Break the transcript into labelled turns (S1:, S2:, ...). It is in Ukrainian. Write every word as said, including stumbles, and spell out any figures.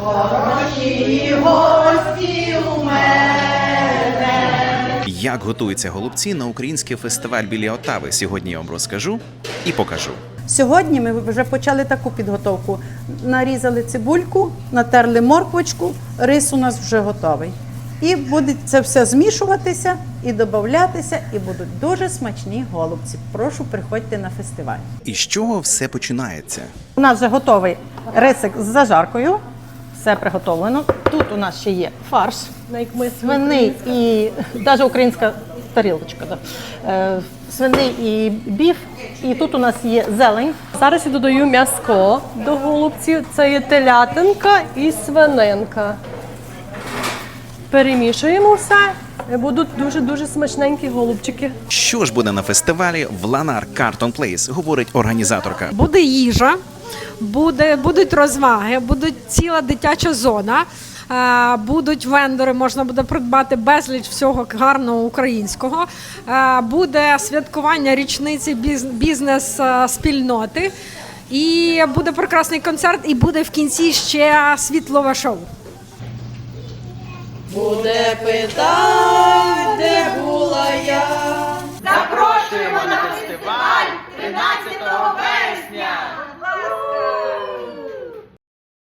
S1: Хороші гості у мене.
S2: Як готуються голубці на український фестиваль біля Отави, сьогодні я вам розкажу і покажу.
S3: Сьогодні ми вже почали таку підготовку. Нарізали цибульку, натерли морквочку, рис у нас вже готовий. І буде це все змішуватися і додаватися, і будуть дуже смачні голубці. Прошу, приходьте на фестиваль.
S2: І з чого все починається?
S3: У нас вже готовий рисик з зажаркою. Все приготовлено. Тут у нас ще є фарш, свиний і навіть українська тарілочка. Да. Е, свиний і біф. І тут у нас є зелень.
S4: Зараз я додаю м'яско до голубців. Це є телятинка і свининка. Перемішуємо все. І будуть дуже-дуже смачненькі голубчики.
S2: Що ж буде на фестивалі в Lanark Carton Place, говорить організаторка.
S5: Буде їжа, буде, будуть розваги, буде ціла дитяча зона, е, будуть вендори, можна буде придбати безліч всього гарного українського, е, буде святкування річниці біз, бізнес-спільноти, і буде прекрасний концерт, і буде в кінці ще світлове шоу.
S1: Буде питать, де була я.